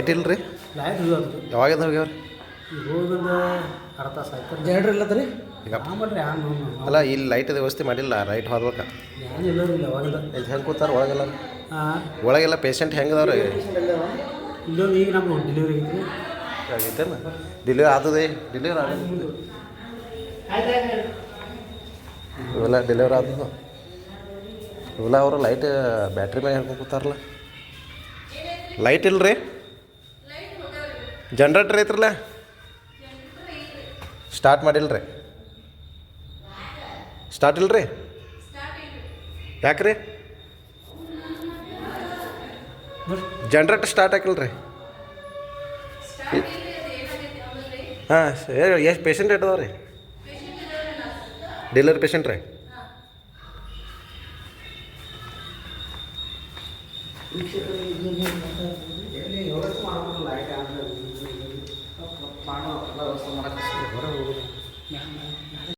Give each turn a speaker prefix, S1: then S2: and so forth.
S1: light ಇಲ್ಲ ರೀ
S2: light ಹೋಗ್ಯಾವ
S1: ಯಾವಾಗಿಂದ ಹೋಗ್ಯಾವ್ರಿ
S2: ಈಗ ಹೋಗಿಂದ ಅರ್ಧ ತಾಸು ಆಯ್ತು ಜನರೇಟರ್ ಇಲ್ಲದ್ರಿ
S1: ಈಗ
S2: ಆಮೇಲೆ ಹ್ಯಾಂಗ
S1: ಅಲ್ಲ ಇಲ್ಲಿ ಲೈಟ್ ವ್ಯವಸ್ಥೆ ಮಾಡಿಲ್ಲ ರೈಟ್ ಹೋಗ್ಬೇಕಾ
S2: ಏನಿಲ್ಲ ರೀ ಯಾವಾಗಿಂದ
S1: ಇಲ್ಲಿ ಹೆಂಗೆ ಕೂತಾರ ಒಳಗೆಲ್ಲ
S2: ಹಾಂ
S1: ಒಳಗೆಲ್ಲ ಪೇಷಂಟ್ ಹೆಂಗೆ ಅದಾವ್ರಿ
S2: ಇಲ್ಲೊಂದು ಈಗ ನಮ್ಮ ಡೆಲಿವರಿ ಐತ್ರಿ
S1: ಆಗೈತೇನು ಡೆಲಿವರಿ ಆದದೆ ಡೆಲಿವರಿ ಆಗೋದು ಇವೆಲ್ಲ ಡೆಲಿವರಿ ಆದದು ಇವೆಲ್ಲ ಅವರು ಲೈಟ್ ಬ್ಯಾಟ್ರಿ ಮ್ಯಾಗ ಹೇಳ್ಕೊಂಡು ಕೂತಾರಲ್ಲ ಲೈಟ್ ಇಲ್ಲ ರೀ ಜನ್ರೇಟ್ರ್ ಐತ್ರಲ್ಲ ಸ್ಟಾರ್ಟ್ ಮಾಡಿಲ್ಲ ರೀ ಸ್ಟಾರ್ಟ್ ಇಲ್ಲ ರೀ ಯಾಕೆ ರೀ ಜನ್ರೇಟರ್ ಸ್ಟಾರ್ಟ್ ಆಗಿಲ್ಲ ರೀ ಹಾಂ ಎಷ್ಟು ಪೇಷಂಟ್ ಇಟ್ಟದವ ರೀ ಡೆಲಿವರಿ ಪೇಷಂಟ್ ರೀ